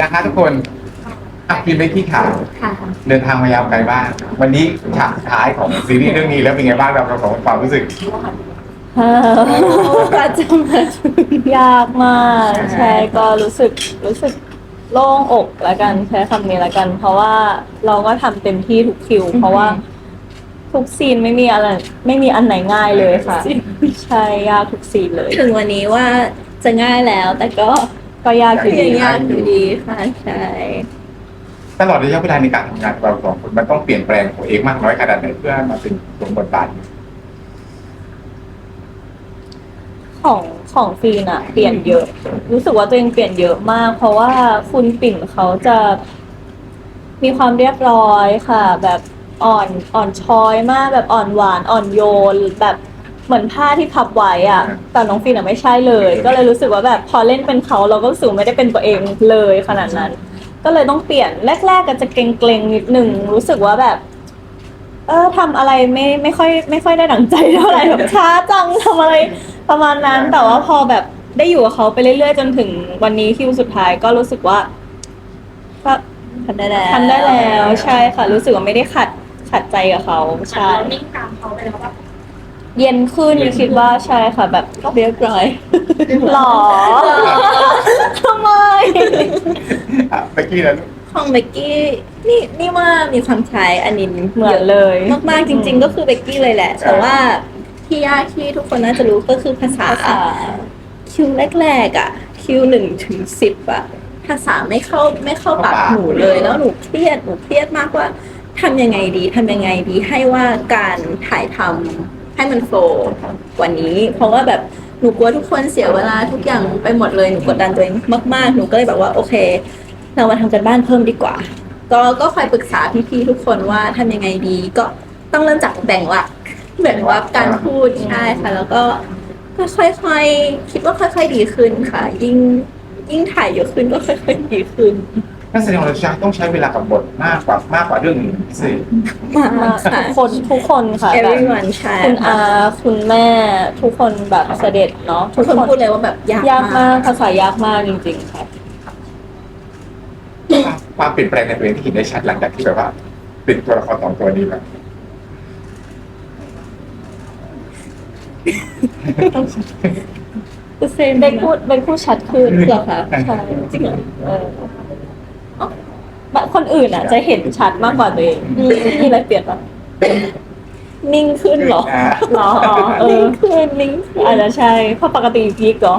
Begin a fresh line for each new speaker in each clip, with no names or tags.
นะคะทุกคนกินไปที่ข่าว
ค่ะ
เดินทางมายาวไกลบ้างวันนี้ฉากสุดท้ายของซีรีส์เรื่องนี้แล้วเป็นไงบ้างเราของความรู้สึก
กว่าจะมาถึง
ยากมากใช่ก็รู้สึกโล่งอกละกันใช้คำนี้ละกัน เพราะว่าเราก็ทำเต็มที่ทุกคิว เพราะว่าทุกซีนไม่มีอันไหนง่ายเลยค่ะ ใช่ยากทุกซีนเลย
ถึงวันนี้ว่าจะง่ายแล้ว แต่ก็
ยากอยู่ดี
ยังยากอยู่ดีค่ะใช่
ตลอดระยะเวลาในการทำงานของเราสองคนมันต้องเปลี่ยนแปลงตัวเองมากน้อยขนาดไหนเพื่อมาเป็นสมบทบาท
ของฟีนอะเปลี่ยนเยอะ รู้สึกว่าตัวเองเปลี่ยนเยอะมาก เพราะว่าคุณปิ่นเขาจะมีความเรียบร้อยค่ะ แบบอ่อนช้อยมากแบบอ่อนหวานอ่อนโยนแบบเหมือนผ้าที่พับไว้อะแต่น้องฟีนอะไม่ใช่เลย ก็เลยรู้สึกว่าแบบพอเล่นเป็นเขาเราก็รู้สึกไม่ได้เป็นตัวเองเลยขนาดนั้น ก็เลยต้องเปลี่ยนแรกๆก็จะเกรงๆนิดนึงรู้สึกว่าแบบทำอะไรไม่ค่อยได้ดั่งใจเท่าไหร่แบบช้าจังทำอะไรประมาณนั้น แต่ว่าพอแบบได้อยู่กับเขาไปเรื่อยๆจนถึงวันนี้คิวสุดท้ายก็รู้สึกว่าก็
ทำได้แล้ว
ทำได้แล้วใช่ค่ะ รู้สึกว่าไม่ได้ขัดใจกับเขาใช่
นิ่งตามเขาไปแล้วว่า
เย็นขึ้นคิดว่าใช่ค่ะแบบ
เรียบร้อย
หรอทำไม
เมื่อกี้นั้น
ของเบกกี้นี่ว่ามีความคล้ายอันนิน
เหมือนเลย
มากๆจริง ๆ ก็คือเบกกี้เลยแหละ แต่ว่าที่ยากที่ทุกคนน่าจะรู้ก็คือภาษาคิวแรกๆอ่ะคิว1 ถึง 10อ่ะภาษาไม่เข้าปากหนูเลยแล้วหนูเครียดมากว่าทำยังไงดีให้ว่าการถ่ายทำให้มันโฟล์กว่านี้ เพราะว่าแบบหนูกลัวทุกคนเสียเวลาทุกอย่างไปหมดเลยหนูกดดันตัวเองมากๆหนูก็เลยแบบว่าโอเค เรามาทำกันบ้านเพิ่มดีกว่า ก็คอยปรึกษาพี่ๆทุกคนว่าทำยังไงดี ก็ต้องเริ่มจากแบ่งหลักการพูดใช่ค่ะ แล้วก็ค่อยๆคิดว่าค่อยๆดีขึ้นค่ะ ยิ่งถ่ายเยอะขึ้นก็ค่อยๆดีขึ้น
นักแสดงของเราต้องใช้เวลากับบทมากกว่าเรื่องอื่นพิเศษ
มากค่ะ
ทุกคนค่ะแบบ
everyone ใช่
คุณอาคุณแม่ทุกคนแบบเสด็จเนาะ
ทุกคนพูดเลยว่าแบบยาก
ยากมากภาษายากมากจริงๆค่ะ
ความเปลี่ยนแปลงในตัวเองที่เห็นได้ชัดหลังจากที่แบบว่าเป็นตัวละครสองตัวนี้แล้ว
คือเซน
เบนพูดชัดขึ้น
เหรอคะ
ใช่
จริงเหรอ
แบบคนอื่นอ่ะจะเห็นชัดมากกว่าตัวเองมีอะไรเปลี่ยนปะ
นิ่งขึ้นเหรอ
หรออ๋อ
นิ่ง
เออ
ขึ้น
อาจจะใช่เพราะปกติพีกเหรอ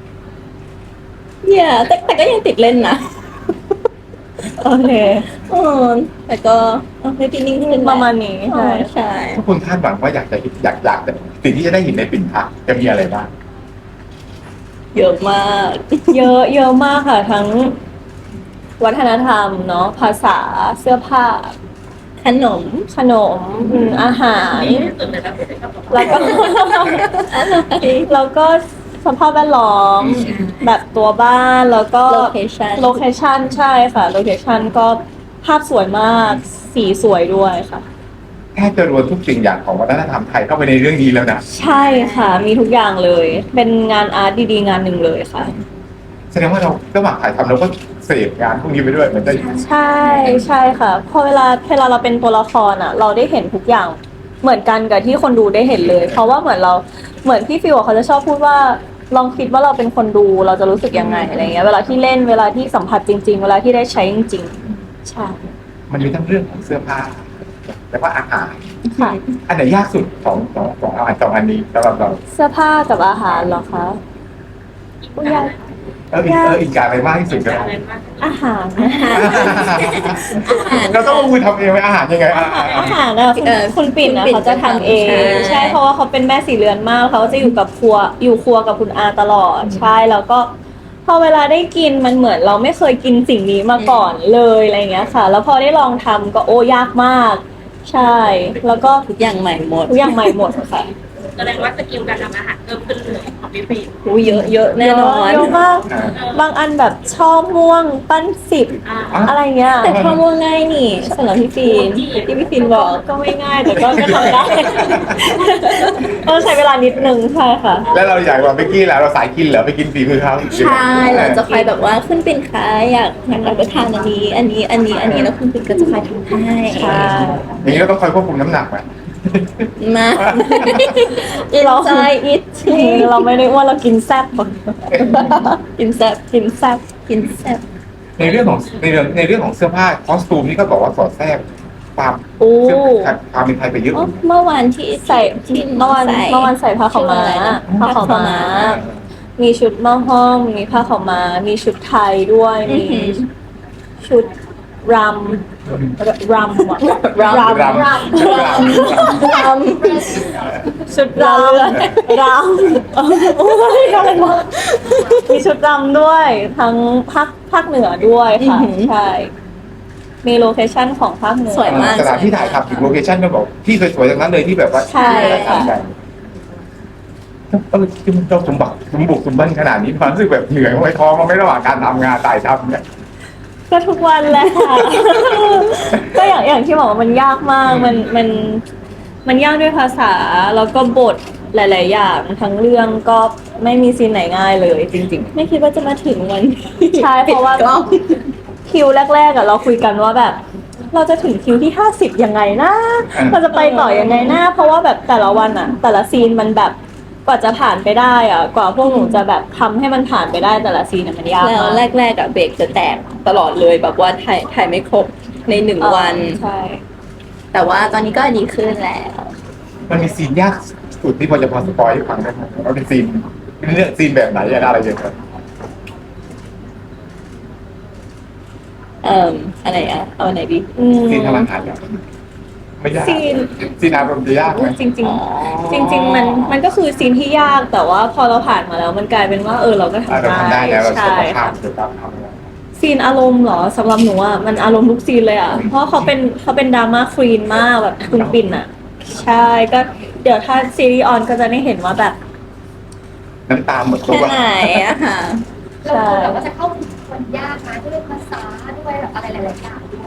เนี่ยแต่ก็ยังติดเล่นนะ
โอเค
เออแต่ก็ไม่ปีนิ่งขึ้น
ประมาณนี้
ใช่
ใช่
ใช่
ทุกคนคาดหวังว่าอยากแต่สิ่งที่จะได้เห็นในปิ่นพักจะมีอะไรบ้าง
เยอะมาก
เยอะมากค่ะ ทั้งวัฒนธรรมเนาะภาษาเสื้อผ้า
ขนม
ขนมอาหาร
ตื่นเลยแล้วไม่ได้กลับมา
แล้วก็ แล้วก็สภาพแวดล้อมแบบตัวบ้านแล้วก็
location
โลเคชันใช่ค่ะโลเคชันก็ภาพสวยมากสีสวยด้วยค่ะ
แค่จะรวมทุกสิ่งอย่างของวัฒนธรรมไทยเข้าไปในเรื่องนี้แล้วนะ
ใช่ค่ะ มีทุกอย่างเลย เป็นงานอาร์ตดีๆงานหนึ่งเลยค่ะ
แสดงว่าเราระหว่างถ่ายทำเราก็เสพงานพวกนี้ไปด้วยเหมือนได้
ใช่ค่ะพอเวลาเราเป็นตัวละครอ่ะ เราได้เห็นทุกอย่างเหมือนกันกับที่คนดูได้เห็นเลย เพราะว่าเหมือนพี่ฟิวเขาจะชอบพูดว่าลองคิดว่าเราเป็นคนดูเราจะรู้สึกยังไงอะไรเงี้ยเวลาที่เล่นเวลาที่สัมผัสจริง ๆ เวลาที่ได้ใช้จริงๆใช่
มันมีทั้งเรื่องของเสื้อผ้าแล้วก็อาหาร
ค่ะ
อันไหนยากสุดของอาหารสองอันนี้สำหรับเรา
เสื้อผ้ากับอาหารเหรอคะอุ๊ยยาก
อีกการอะไรมากที่สุดกัน
อะไรมาก
อาหาร
เราต้องลงมือทำเองไหมอาหารยังไง
อาหารอะคุณปิ่นอะเขาจะทำเองใช่เพราะว่าเขาเป็นแม่สีเรือนมากเขาจะอยู่กับครัวกับคุณอาตลอดใช่แล้วก็พอเวลาได้กินมันเหมือนเราไม่เคยกินสิ่งนี้มาก่อนเลยอะไรเงี้ยค่ะ แล้วพอได้ลองทำก็โอ้ยากมาก ใช่ แล้วก็
ทุกอย่างใหม่หมด
ทุกอย่างใหม่หมดค่ะ
แสดงว่าสกิลการทำอาหารเพิ่มขึ้นเลยพี่ปี
หูเยอะเยอะแน่นอน
เยอะมาก
อ่า
บางอันแบบช่อม่วงปั้น10
อ่า
อะไรเงี้ย
แต่ข้อมูลง่ายนี่สำหรับพี่ฟินที่พี่ฟินบอก
ก็ไม่ง่ายแต่ก็ทำได้ ต้องใช้เวลานิดนึงใช่ค่ะ
แล้วเราอยากว่าไปกี้แล้วเราสายกินเหรอไปกินฝีมือเขา
ใช่เราจะคอยแบบว่าขึ้นเป็นค้าอยากรับประทานอันนี้แล้วคุณปิ่นก็จะคอยทำให้
ใช่
อย่างนี้เราต้องคอยควบคุมน้ำหนักไหม
มา
เรา
ใจอิท
เราไม่ได้อ้วนเรากินแซ่บ
กินแซ่บ
กินแซ่บ
กินแซ่บ
ในเรื่องของเสื้อผ้าคอสตูมนี่ก็บอกว่าสอดแทรกความ
โอ้
เสื้อความเป็นไทยไปเยอะ
เมื่อวานที่
ใส่
ที่
เมื่อวันใส่ผ้าขาวม้า
ชื่ออะไรนะ
ผ้าขาวม้า มีชุดหม้อห้อม มีผ้าขาวม้า มีชุดไทยด้วย มีชุดรำอะรำ
รำ
ชุดรำโอ้ยอะไรวะมีชุดรำด้วยทั้งภาคเหนือด้วยค่ะ ใช่ มีโลเคชั่นของภาคเหนือ
สวยมาก
สถานที่ถ่ายทำถึงโลเคชั่นก็บอกที่สวยๆทั้งนั้นเลยที่แบบว่า
ใช่ค่ะ
เราสมบัติสมบุกสมบันขนาดนี้ความรู้สึกแบบเหนื่อยไหมท้องมันไม่ระหว่างการทำงานถ่ายทำเนี่ย
ก็ทุกวันแหละ ก็อย่างที่บอกว่ามันยากมากมันยากด้วยภาษาแล้วก็บทหลาย ๆ อย่างทั้งเรื่องก็ไม่มีซีนไหนง่ายเลยจริง
ไม่คิดว่าจะมาถึงวัน
ใช่เพราะว่า
ปิดกล้อง
ๆ คิวแรก ๆอะเราคุยกันว่าแบบ เราจะถึงคิวที่50ยังไงนะ เราจะไปต่อยังไงนะเพราะว่าแบบแต่ละวันอะแต่ละซีนมันแบบกว่าจะผ่านไปได้อะกว่าพวกหนูจะแบบทำให้มันผ่านไปได้แต่ละซีนอะมันยาก
แล้ว
มาก
แรกๆอะเบรกจะแตกตลอดเลยแบบว่าถ่ายไม่ครบใน1 วัน
ใช่
แต่ว่าตอนนี้ก็ดีขึ้นแล้ว
มันมีซีนยากสุดที่พอจะพอสปอยให้ฟังได้ไหมว่าเป็นซีนเรื่องซีนแบบไหนอะไรอย่างเงี้ย
อะไรอะเอาไหนดี
ซีนทำอาหารเนี่ยไม่ยาก ซีนอารมณ์จะยากไหม
จริง
อ๋อ
ๆ จริง ๆ มันก็คือซีนที่ยากแต่ว่าพอเราผ่านมาแล้วมันกลายเป็นว่าเราก็
เรา
ทำ
ทำได้
ได้
แล้วเรา
ใช่
สุขภา
ค่ะ
พเกี่ยวกับทำงาน
ซีนอารมณ์เหรอสำหรับหนูอ่ะมันอารมณ์ทุกซีนเลยอ่ะเพราะเขาเป็นดราม่าควีนมากแบบคุณปิ่นอ่ะ ใช่ก็เดี๋ยวถ้าซีรีส์ออนก็จะได้เห็นว่าแบบ
น้ำตาหมดตั
แค่
ว
ไหนอะค่ะ
เราแบบว่าจะเข้าถึงคนยากนะด้วยภาษาด้วยแบบอะไรหลายๆอย่างด้วย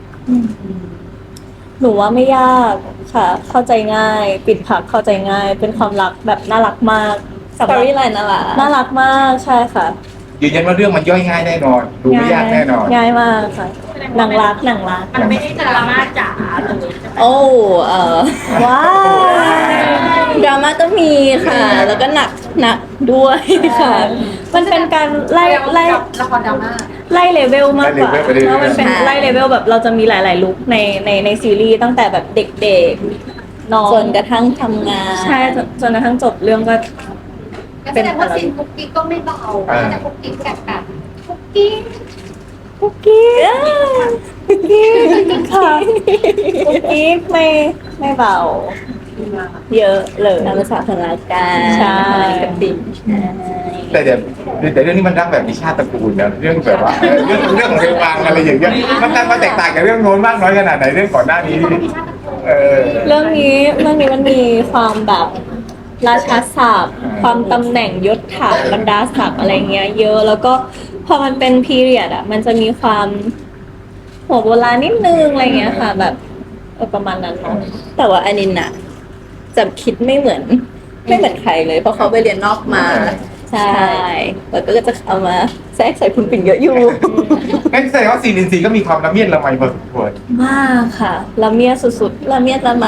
หนูว่าไม่ยากค่ะ เข้าใจง่าย ปิดผักเข้าใจง่าย เป็นความรักแบบน่ารักมาก
สตอรี่ไลน์น่ารัก
น่ารักมากใช่ค่ะ
ยืนยันว่าเรื่องมันย่อยง่ายแน่นอน ดูไม่ยากแน่นอน
ง่ายมากค่ะหนังรัก
มันไม่ได้ดราม่าจ๋าเลยใช่ไหม
โอ้
ว้าว
ดราม่าก็มีค่ะ แล้วก็หนักด้วยค่ะ
มันเป็นการไล่
ละครดราม่า
ไล่เลเวลมากกว่า
ไล่เลเวลไปเรื่อยๆ
เพราะมันเป็น
ใช่
ไล่เลเวลแบบเราจะมีหลาย ๆ ลุคในซีรีส์ตั้งแต่แบบเด็กๆน้อง
จนกระทั่งทำงาน
ใช่จนกระทั่งจบเรื่องก็
แสดงว่าซีนคุกกิ๊กก็ไม่เบา
อ่า
จะคุกกิ๊กแบบคุกกิ๊ก
คุกกี้คุกกี้ค่ะคุกกี้ไม่เบา เยอะเลย
ตามภาษาพลังการ
ใช่
กับปิ่นใช่
แต่เรื่องนี้มันรักแบบมีชาติตระกูลนะเรื่องแบบว่าเรื่องของเรื่องวางอะไรอย่างเงี้ยมันแตกต่างกับเรื่องโน้นมากน้อยขนาดไหนเรื่องก่อนหน้านี้เออ
เรื่องนี้มันมีความแบบราชาศัพท์ความตำแหน่งยศถาบรรดาศักดิ์อะไรเงี้ย เยอะแล้วก็พอมันเป็นพีเรียดอ่ะ มันจะมีความหัวโบราณนิดนึงอะไรเงี้ยค่ะ แบบประมาณนั้นเนาะ
แต่ว่าอันนี้น่ะจะคิดไม่เหมือนใครเลย เพราะเขาไปเรียนนอกมา ใช่ แล้วก็จะเอามาแทรกใส่คุณปิ่นเยอะอยู่
งั้นแสดงว่าซีนอินซีก็มีความละเมียดละไมพอสมควร
มากค่ะละเมียสุด
ละเมียดละไม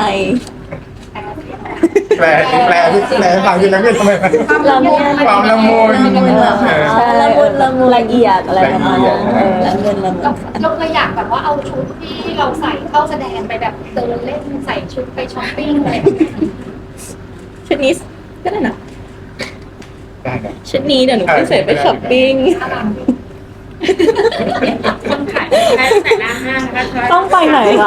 แปลฟังคือละเมียดทำไม
ๆละเมีย
ความละมุน
ใช่ละมุนละเอียดอะไรประมาณนั้น
ละมุนละมุน
เราเคยอยากแบบว่าเอาชุดที่เราใส่เข้าแสดงไปแบบเดินเล่นใส่ชุดไปช้อปปิ้งอะไรแบบนี้
ชุดนี้ก็ได้นะ
ได้นะ
ชุดนี้เดี๋ยวหนูไปใส่ไปช้อปปิ้ง
คนขายได้แต่หน้าห้างนะคะ
ต้องไปไหนคะ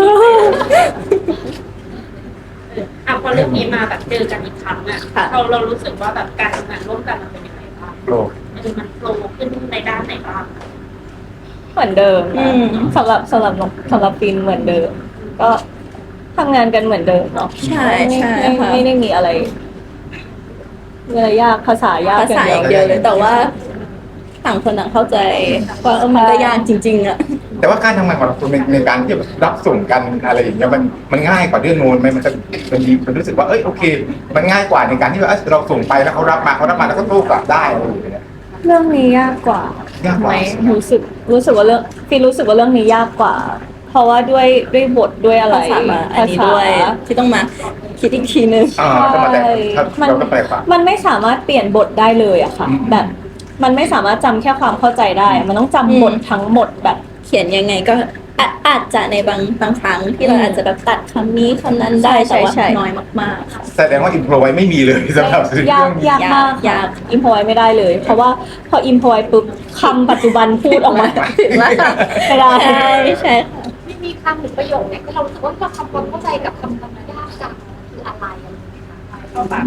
พอเรื่องนี้มาแบบเจอกันอีกครั้งอ่ะ
ค่ะ
เรารู้สึกว่าแบบการทำงานร่วมกันมันเป็นยังไงบ้าง
โลก
มันโฟล์ขึ้นในด้านไหนบ้าง
เหมือนเดิมนะสำหรับฟินเหมือนเดิม ก็ทำงานกันเหมือนเดิมเนาะ
ใช่ใช่ค่ะ
ไม่ได้มีอะไรเวลายากภาษายาก
ภาษาอย่างเดียวเลยแต่ว่าต่างคนต่างเข้าใจว่ามันก็ยากจริง ๆอะ
แต่ว่าการทำงานของเราในการที่แบบรับส่งกันอะไรอย่างเงี้ยมันง่ายกว่าเรื่องโน้นไหมมันรู้สึกว่าเอ้ยโอเค มันง่ายกว่าในการที่ว่าเราส่งไปแล้วเขารับมาแล้วก็โต้กลับได้อะไรอย่างเงี้ย
เรื่องนี้ยากกว่า
ยากกว่า
ไหมรู้สึกว่าเรื่องฟีรู้สึกว่าเรื่องนี้ยากกว่า เพราะว่าด้วยบทด้วยอะไร
ภาษามาอันนี้ด้วยที่ต้องมาคิดอีกทีนึง
ต้องมาแต่
มัน
เราก็แปลกว่า
มันไม่สามารถเปลี่ยนบทได้เลยอะค่ะ
อืม
แบบมันไม่สามารถจำแค่ความเข้าใจได้ มันต้องจำบททั้งหมดแบบ
เขียนยังไงก็อาจจะในบางครั้งที่เราอาจจะแบบตัดคำนี้คำนั้นได้
ใช่
แต่ว่า
ใช่
น้อยมากๆค่ะ
แสดงว่าอินโทรไว้ไม่มีเลยสำหรับเรื่อง
ยาก
นี้
ยากมาก
ยาก
อิมพอไว้ไม่ได้เลย เพราะว่าพออิมพอไว้ปุ๊บคำปัจจุบันพูดออกมา
ถึงแล้วค่ะ
ไม่ได้
ใช่ใช่ค่ะ
ไม่มีคำหรือประโยคเนี่ยที่เรารู้สึกว่าเราทำความเข้าใจกับคำยากจังคืออะไรอะไรอย่างเงี้ยค่ะก็แบบ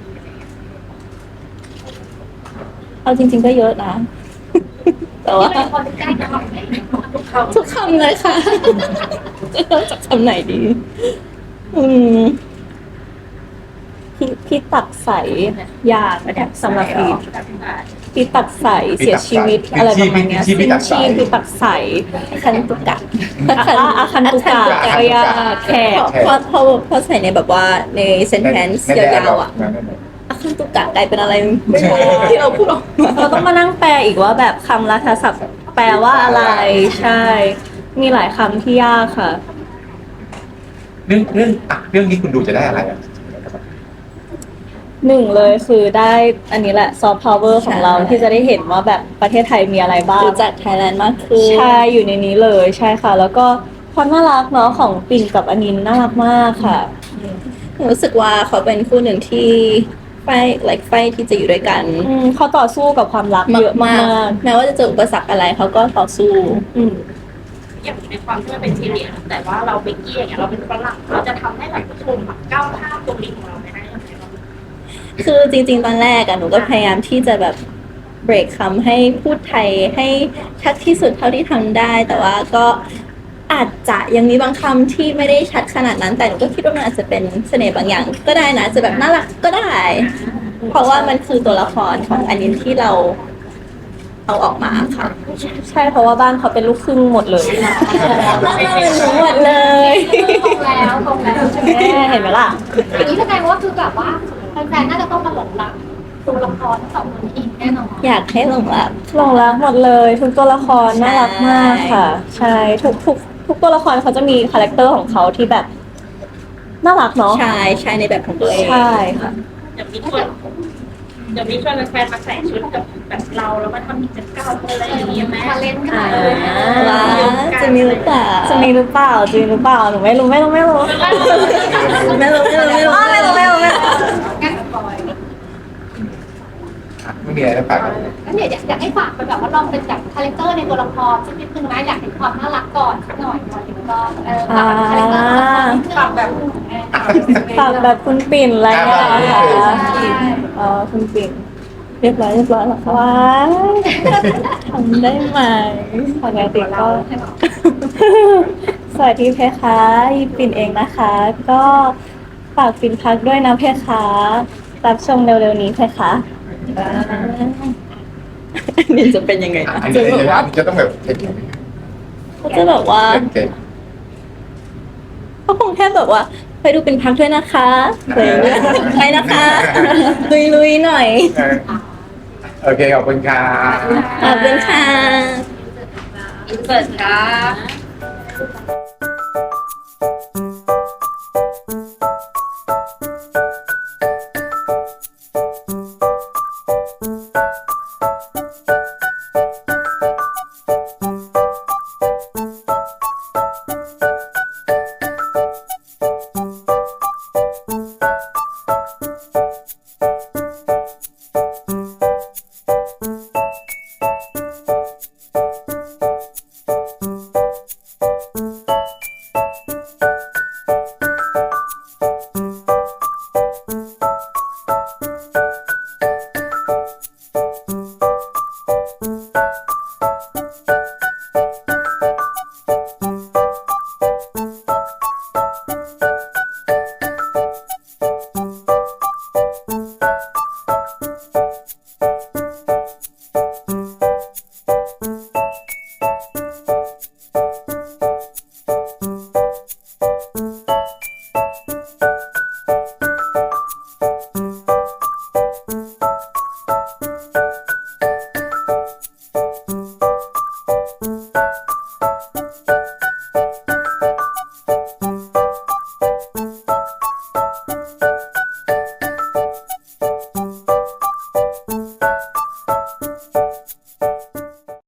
เอาจริง ๆก็เยอะนะ แต่ว่า
ที่เป็นคนใกล้กับเราเนี่ยทุกคำ
ทุกคำเลยค่ะ จะเริ่มจากคำไหนดี อืม
พี่ตักใสยากสำหรับอีทพี่ตักใสเสียชีวิตอะไรประมาณเนี้ย
ชีพพี่ตักใส
ชีพพี่ตักใส
คันตุกะ
อาคันตุกะก็ยากแขก
พอใส่ในแบบว่าในเซนเทนส์ยาวๆอ่ะอาคันตุกะกลายเป็นอะไรไม่รู้ที่เราพูดออกมา
เราต้องมานั่งแปลอีกว่าแบบคำราชศัพท์แปลว่าอะไรใช่ มีหลายคำที่ยากค่ะ
เรื่องนี้คุณดูจะได้อะไรอ่ะ
หนึ่งเลยคือได้อันนี้แหละซอฟต์พาวเวอร์ของเราที่จะได้เห็นว่าแบบประเทศไทยมีอะไรบ้าง
รู้จักไทยแลนด์มากขึ้น
ใช่อยู่ในนี้เลยใช่ค่ะ แล้วก็ความน่ารักเนาะของปิ่นกับอนินน่ารักมากค่ะ
รู้สึกว่าเขาเป็นคู่หนึ่งที่ไฟที่จะอยู่ด้วยกัน
เขาต่อสู้กับความรัก
มา
เยอะมาก
ๆแม้ว่าจะเจออุปสรรคอะไรเขาก็ต่อสู้
อืม
อย่างในความที่มันเป็นซีเรียสแต่ว่าเราเบกกี้อย่างเงี้ยเราเป็นฝรั่งเราจะทำให้แบบผู้ชมแบบก้าวข้ามตรงนี้ของเราไปได้ยังไงบ้าง
คือจริง ๆ ตอนแรกอะหนูก็พยายามที่จะแบบเบรกคำให้พูดไทยให้ชัดที่สุดเท่าที่ทำได้ แต่ว่าก็อาจจะยังมีบางคำที่ไม่ได้ชัดขนาดนั้น แต่หนูก็คิดว่ามันอาจจะเป็นเสน่ห์บางอย่าง ก็ได้นะจะแบบน่ารักก็ได้ เพราะว่ามันคือตัวละครของอันนี้ที่เราเอาออกมาค่ะ
ใช่เพราะว่าบ้านเขาเป็นลูกครึ่งหมดเลย
น่าเป็นหนูหมดเลย
ตรงแล้วตรงแล้ว
เห็นไหมล่ะ
อย่างนี้แสดงว่าคือแบบว่าแฟนๆน่าจะต้องมาหลงรักตัวละครทั้งสองคนอีกแน่นอน
อยากให้หลงรัก
หลงรักหมดเลย ทุกตัวละครน่ารักมากค่ะ ใช่ทุกตัวละครเขาจะมีคาแรคเตอร์ของเขาที่แบบน่ารักเนาะ
ใช่ใช่ในแบบของตัวเอง
ใช่ค่ะ
เดี๋ยวมีชวนแฟนๆมาใส่ชุดกับแบบเราแล้วมาทำกิจกรรมอะไรอย่างเงี้ยไหม
มาเล่นกัน
ว้าจะมีหรือเปล่า
จะมีหรือเปล่าหนูไม่รู้
ไม่รู้
งั้นปล่อย
ไม่มีอะไรจะฝากกัน
งั้นเดี๋ยวอยากให้ฝากไปแบบว่าลองเป็นแบบคาแรคเตอร์ในตัวละครสักนิดนึงนะอยากเห็นความน่ารักก่อนสักหน่อยก่อนถึงก็ฝากคาแรคเตอร์ฝากแบบ
ฝากแบบคุณปิ่นอะไรอย่างเงี้ยเหรอคะ
ใช่
คุณปิ่น
เรียบร้อยแล้วค่ะ
ว้าย
ทำได้ไหม
ปกติก็ สวัสดีเพคะยิปปิ่นเองนะคะ ก็ฝากปิ่นพักด้วยนะเพคะรับชมเร็วๆนี้เพคะ
นี่จะเป็นยังไงนะ
อัน
จะ
นี้
แบบว่า
จะต้องแบบ
เขาจะแบบว่า
เก่ง
เขาคงแค่แบบว่าไปดูเป็นพักด้วยนะคะอะไรอย่างเงี้ยไปนะคะลุยๆหน่อย
โอเคขอบคุณค่ะ
ขอบคุณค่ะ
อินเสิร์ตครับ